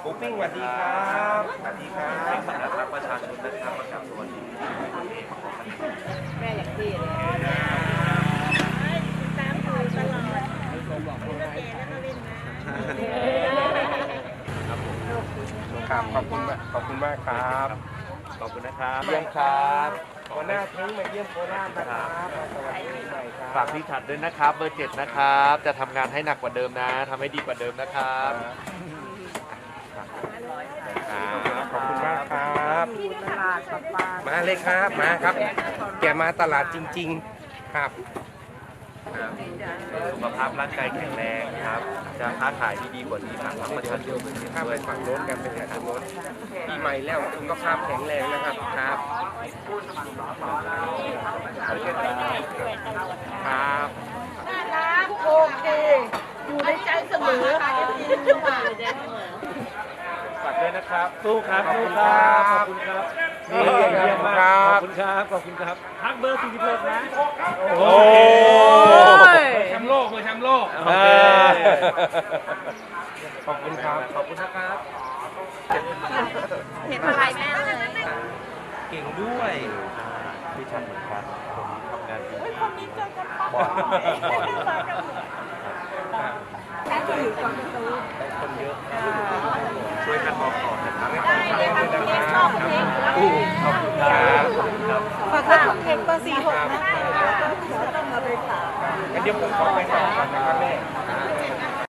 หมูปิ้งสวัสดีครับสวัสดีครับรักประชาชนนะครับประกาศตัวนี้แม่อยากที่เลยตามดูตลอดมีรถแก่แล้วก็เล่นนะครับขอบคุณมากขอบคุณมากครับขอบคุณนะครับเยี่ยมครับหัวหน้าเท้งมาเยี่ยมโคราชนะครับสวัสดีปีใหม่ครับฝากพี่ฉัดด้วยนะครับเบอร์ 7นะครับจะทำงานให้หนักกว่าเดิมนะทำให้ดีกว่าเดิมนะครับขอบคุณมากครับตลาดปลามาเลยครับมาครับ แกมาตลาดจริง ๆครับสุขภาพร่างกายแข็งแรงครับ จะค้าขายที่ดีกว่านี้ฝากประชาชนข้ามไปฝั่งโน้นกันไปหาทางโน้นปีใหม่แล้วสุขภาพแข็งแรงนะครับครับครับน่ารักโอเคอยู่ในใจเสมอค่ะฝากด้วยนะครับสู้ครับขอบสู้คุณคครัรับบ ขอบคุณครับนี่เยี่ยมมากขอบคุณครับขอบคุณครับพักเบอร์46นะโอ้ยแชมป์โลกมือแชมป์โลกโอเคขอบคุณครับขอบคุณนะครับเห็นอะไรแม่เลยเก่งด้วยพี่ชันเหมือนกันผมทำงานดีคนนี้เจอกันปะแค่จะอยู่ตรงประตูคนเยอะช่วยกันบอกต่อนะครับได้เลยค่ะคุณเอกชอบเพลงอยู่แล้วขอบคุณครับขอบคุณครับฝากคุณเพลงเบอร์46นะต้องมาไปฝากงั้นเดี๋ยวผมขอไปต่อก่อนนะครับแม่